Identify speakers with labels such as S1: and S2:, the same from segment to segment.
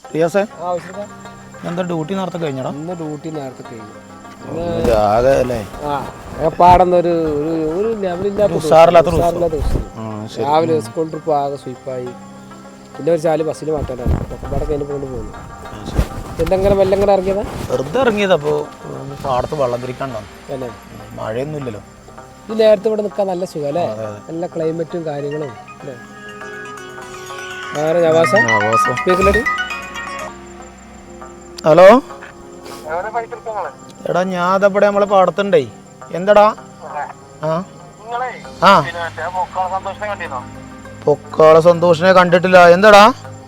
S1: റിയാസേ എന്താ ഡ്യൂട്ടി നേരത്തെ കഴിഞ്ഞടാ?
S2: ഇന്ന് ഡ്യൂട്ടി നേരത്തെ കഴിഞ്ഞു. പാടുന്നൊരു ലെവലില്ലാത്ത രാവിലെ സ്കൂൾ ട്രിപ്പ് ആകെ സ്വീപ്പായി. പിന്നെ ഒരു ചാല് ബസ്സിൽ മാറ്റാനാണ് ഒക്കെ കഴിഞ്ഞ് കൊണ്ട് പോകുന്നു. എന്തെങ്കിലും വെല്ലം കൂടെ ഇറങ്ങിയതാ?
S1: വെറുതെ ഇറങ്ങിയതാ. അപ്പോൾ പാടത്ത് വെള്ളം തിരിക്കണ്ടോ
S2: അല്ലേ?
S1: മഴയൊന്നും ഇല്ലല്ലോ.
S2: ഈ നേരത്തെ ഇവിടെ നിൽക്കാൻ നല്ല സുഖം അല്ലേ? നല്ല ക്ലൈമറ്റും കാര്യങ്ങളും അല്ലേ?
S1: ഹലോ എടാ, ഞാൻ അതപ്പടെ നമ്മളെ പാടത്തുണ്ടേ. എന്താടാ? പൊക്കാള സന്തോഷിനെ കണ്ടിട്ടില്ല. എന്താടാ?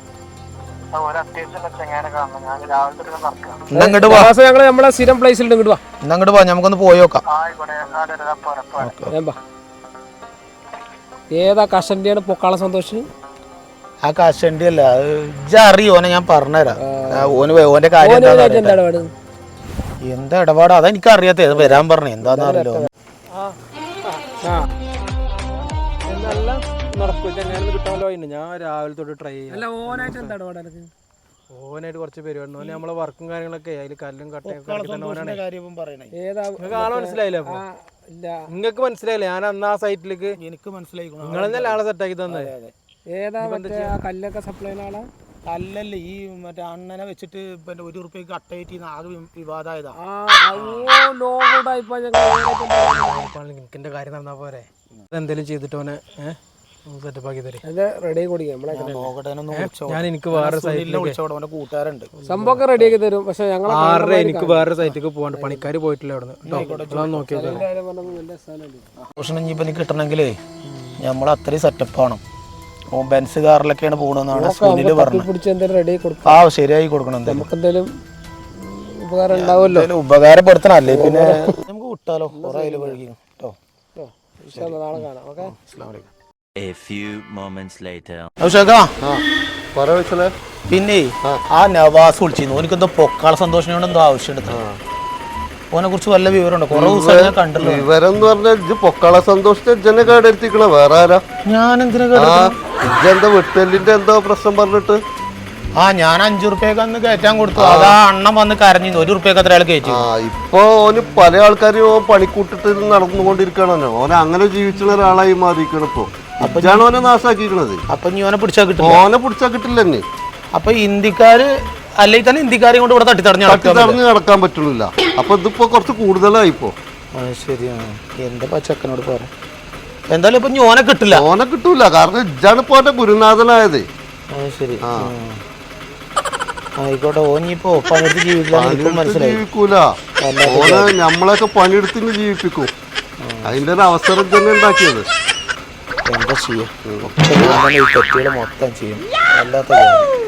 S2: നമ്മളെ സ്ഥിരം പ്ലേസിൽ
S1: ഇങ്ങോട്ട് വാ, നമുക്കൊന്ന് പോയി നോക്കാം.
S2: ഏതാ കഷന്റെയാണ് പൊക്കാള സന്തോഷ്?
S1: ആ കഷണ്ടി അല്ല, അറിയോനെ ഞാൻ പറഞ്ഞുതരാം. ഓന്റെ കാര്യം എന്താ ഇടപാടാ അതെനിക്ക് അറിയാത്ത. വരാൻ പറഞ്ഞു എന്താന്ന് അറിയില്ലോ.
S3: ഞാൻ രാവിലെ തൊട്ട് ട്രൈ ചെയ്യാം. ഓനായിട്ട് കുറച്ച് പരിപാടി നമ്മളെ വർക്കും കാര്യങ്ങളൊക്കെ അതിൽ കല്ലും കട്ടയും കാണാൻ മനസ്സിലായില്ല. അപ്പൊ നിങ്ങൾക്ക് മനസ്സിലായില്ല? ഞാൻ അന്ന് ആ സൈറ്റിലേക്ക്
S1: എനിക്ക് മനസ്സിലായി.
S3: നിങ്ങളെന്നല്ല ആളെ സെറ്റാക്കി തന്നെ.
S2: കല്ലൊക്കെ സപ്ലൈ
S1: കല്ലല്ലേ ഈ മറ്റേ അണ്ണനെ വെച്ചിട്ട് ₹1 കട്ടേറ്റ് ആകെ വിവാദമായതാ.
S3: എനിക്കെന്റെ കാര്യം നടന്നാ പോരെ? എന്തെങ്കിലും ചെയ്തിട്ട് ഓനെ സെറ്റപ്പ് ആക്കി തരും. ഞാൻ എനിക്ക് വേറെ
S1: കൂട്ടുകാരുണ്ട്,
S2: സംഭവം റെഡിയാക്കി തരും. പക്ഷെ ഞങ്ങൾ
S3: 6:30 എനിക്ക് വേറെ സൈറ്റിലേക്ക് പോകണ്ട. പണിക്കാർ പോയിട്ടില്ല അവിടെ നിന്ന് നോക്കിയത്.
S1: ഇനിയിപ്പോ എനിക്ക് കിട്ടണമെങ്കിലേ നമ്മൾ അത്രയും സെറ്റപ്പ് ആണ്. ബെൻസ് കാറിലൊക്കെയാണ് പോകണമെന്നാണ് സുനില് പറഞ്ഞത്. ആ ശരിയായി കൊടുക്കണം.
S2: എന്തെങ്കിലും ഉപകാരം ഉണ്ടാവുമല്ലോ,
S1: ഉപകാരപ്പെടുത്തണം. അല്ലേ പിന്നെ നമുക്ക് വിട്ടാലോ? കുറെ അതിൽ വഴുകി കേട്ടോ.
S2: നാളെ കാണാം. ഓക്കെ.
S1: പിന്നെ ആ നവാസ് വിളിച്ചിരുന്നു. ഓനിക്കെന്തോ പൊക്കാള സന്തോഷനോട് എന്തോ ആവശ്യമുണ്ട്. ഓനെ കുറിച്ച് വല്ല വിവരമുണ്ടോ? കുറെ ദിവസം ഞാൻ കണ്ടല്ലോ.
S4: വിവരം എന്ന് പറഞ്ഞാൽ പൊക്കാള സന്തോഷത്തെ കേടെടുത്തിക്കണ വേറെ ആരാ?
S1: ഞാൻ എന്തിനാ
S4: എന്താ വെട്ടലിന്റെ എന്തോ പ്രശ്നം പറഞ്ഞിട്ട്?
S1: ഞാൻ ₹5 അന്ന് കയറ്റാൻ കൊടുത്തു. അതാ അണ്ണൻ വന്ന് കരഞ്ഞു. ₹1 അത്ര ആൾ കയറ്റി.
S4: ഇപ്പൊ ഓന് പല ആൾക്കാരും പണിക്കൂട്ടിട്ട് നടന്നുകൊണ്ടിരിക്കണോ. ഓനെ അങ്ങനെ ജീവിച്ചുള്ള ഒരാളായി മാറിയിരിക്കണം ഇപ്പൊ. അപ്പോഴാണ് ഓനെ നാശാക്കിക്കണത്.
S1: അപ്പൊ നീ ഓനെ പിടിച്ചാ കിട്ടും.
S4: ഓനെ പിടിച്ചാ കിട്ടില്ല തന്നെ.
S1: അപ്പൊ ഇന്ത്യക്കാര് അല്ലെങ്കിൽ തന്നെ ഇന്ത്യക്കാരെ കൊണ്ട് ഇവിടെ തട്ടിത്തടഞ്ഞ്
S4: നടക്കാൻ പറ്റുന്നില്ല. അപ്പൊ ഇതിപ്പോ കുറച്ച് കൂടുതലായിപ്പോ.
S1: ശരിയാണ്. എന്താ പച്ചക്കനോട് പറയാം. എന്തായാലും ഇപ്പൊ ഓനെ കിട്ടില്ല.
S4: ഓനെ കിട്ടൂല. കാരണം ഇജാണ് ഇപ്പൊ ഓന്റെ ഗുരുനാഥനായത്.
S1: ശരി, ആയിക്കോട്ടെ. ഓനിപ്പോ പണിയെടുത്ത്
S4: ജീവിക്കൂല. ഓനെ നമ്മളൊക്കെ പണിയെടുത്തിന് ജീവിപ്പിക്കും. അതിന്റെ ഒരു അവസരം തന്നെ ഉണ്ടാക്കിയത്.
S1: എന്താ ചെയ്യാ? മൊത്തം ചെയ്യും. അല്ലാത്ത